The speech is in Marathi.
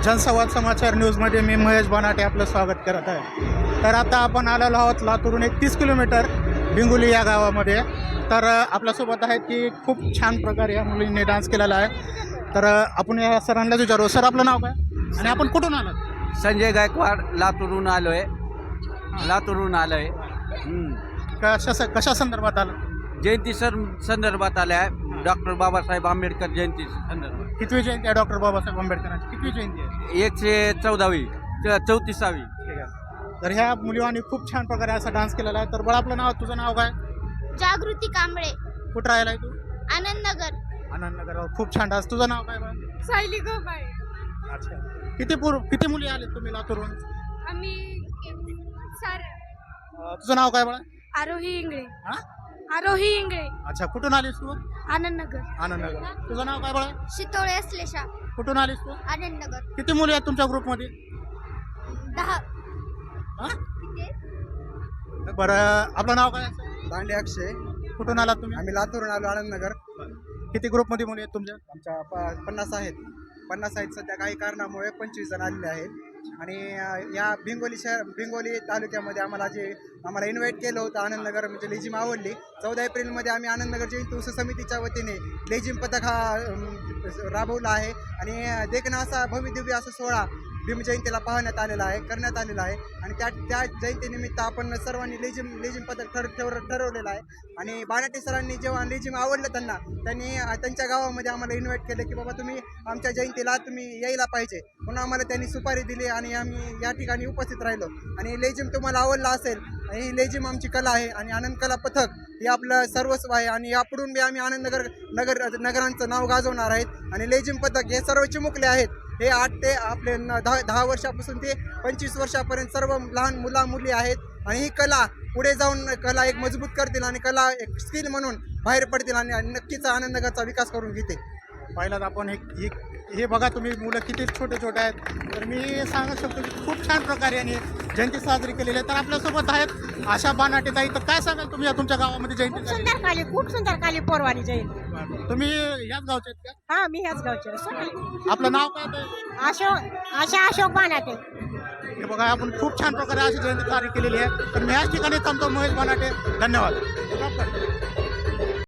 जनसंवाद समाचार न्यूजमध्ये मी महेश बनाटे आपलं स्वागत करत आहे. तर आता आपण आलेलो आहोत लातूरहून 31 किलोमीटर भिंगोली या गावामध्ये. तर आपल्यासोबत आहेत की खूप छान प्रकारे या मुलींनी डान्स केलेला आहे. तर आपण या सरांनाच विचारू, सर आपलं नाव काय आणि आपण कुठून आलात? संजय गायकवाड, लातूरहून आलोय. कशा संदर्भात आलं? जयंती संदर्भात आल्या आहे. डॉक्टर बाबासाहेब आंबेडकर जयंती संदर्भात. कितवी जयंती आहे डॉक्टर बाबासाहेब आंबेडकरांची? कितवी जयंती आहे? 114वी 34वी. ठीक आहे. तर ह्या मुलीवानी खूप छान प्रकारे असा डान्स केलेला आहे. तर बरं आपलं नाव, तुझं नाव काय? जागृती कांबळे, कुठं राहिलाय तू? आनंदनगर. आनंदनगर. खूप छान डान्स. तुझं नाव काय बा? सायली गोबाळे. अच्छा. किती मुली आले तुम्ही लातूरहून? आम्ही तुझं नाव काय बाळा? आरोही इंगळे. हा? आरोही इंगळे, अच्छा. कुठून आलीस तू? आनंदनगर. आनंदनगर. तुझं नाव काय बाळा? शितोळे असलेशा, कुठून आलीस तू? आनंदनगर. किती मुली आहेत तुमच्या ग्रुपमध्ये? 10. हा? बरं आपलं नाव काय? दांडे अक्षय. कुठून आलात तुम्ही? आम्ही लातूरून आलो, आनंदनगर. किती ग्रुपमध्ये मुली आहेत तुमच्या? आमच्या 50 आहेत. 50 आहेत. सध्या काही कारणामुळे 25 जण आलेले आहेत. आणि या भिंगोली तालुक्यामध्ये आम्हाला इन्व्हाइट केलं होतं. आनंदनगर म्हणजे लेझिम आवडली. 14 एप्रिलमध्ये आम्ही आनंदनगर जयंती उत्सव समितीच्या वतीने लेझिम पथक हा राबवला आहे. आणि देखणं असा भव्यदिव्य असा सोहळा भीमजयंतीला करण्यात आलेला आहे. आणि त्या जयंतीनिमित्त आपण सर्वांनी लेझिम पथक ठरवलेलं आहे. आणि बाणाटे सरांनी जेव्हा लेझिम आवडलं त्यांनी त्यांच्या गावामध्ये आम्हाला इन्व्हाइट केलं की बाबा तुम्ही आमच्या जयंतीला तुम्ही यायला पाहिजे, म्हणून आम्हाला त्यांनी सुपारी दिली आणि आम्ही या ठिकाणी उपस्थित राहिलो. आणि लेझिम तुम्हाला आवडला असेल, ही लेझिम आमची कला आहे आणि आनंद कला पथक हे आपलं सर्वस्व आहे. आणि यापुढून आम्ही नगरांचं नाव गाजवणार आहेत. आणि लेझिम पथक हे सर्व चिमुकले आहेत. हे 8 ते आपले 10 वर्षापासून ते 25 वर्षापर्यंत सर्व लहान मुली आहेत. आणि ही कला पुढे जाऊन कला एक मजबूत करतील आणि कला एक स्किल म्हणून बाहेर पडतील आणि नक्कीच आनंदनगरचा विकास करून घेतील. पहिल्यांदा आपण हे बघा तुम्ही, मुलं किती छोटे आहेत. तर मी सांगू शकतो की खूप छान प्रकारे यांनी जयंती साजरी केलेली आहे. तर आपल्यासोबत आहेत आशा बनाटे ताई. तर काय सांगाल तुम्ही तुमच्या गावामध्ये जयंती? खूप सुंदर काली पोरवानी जयंती. तुम्ही याच गावचे आहेत का? हा, मी ह्याच गावचे. आपलं नाव काय ताई? अशोक बनाटे. हे बघा आपण खूप छान प्रकारे अशी जयंती साजरी केलेली आहे. तर मी याच ठिकाणी थांबतो. महेश बनाटे, धन्यवाद.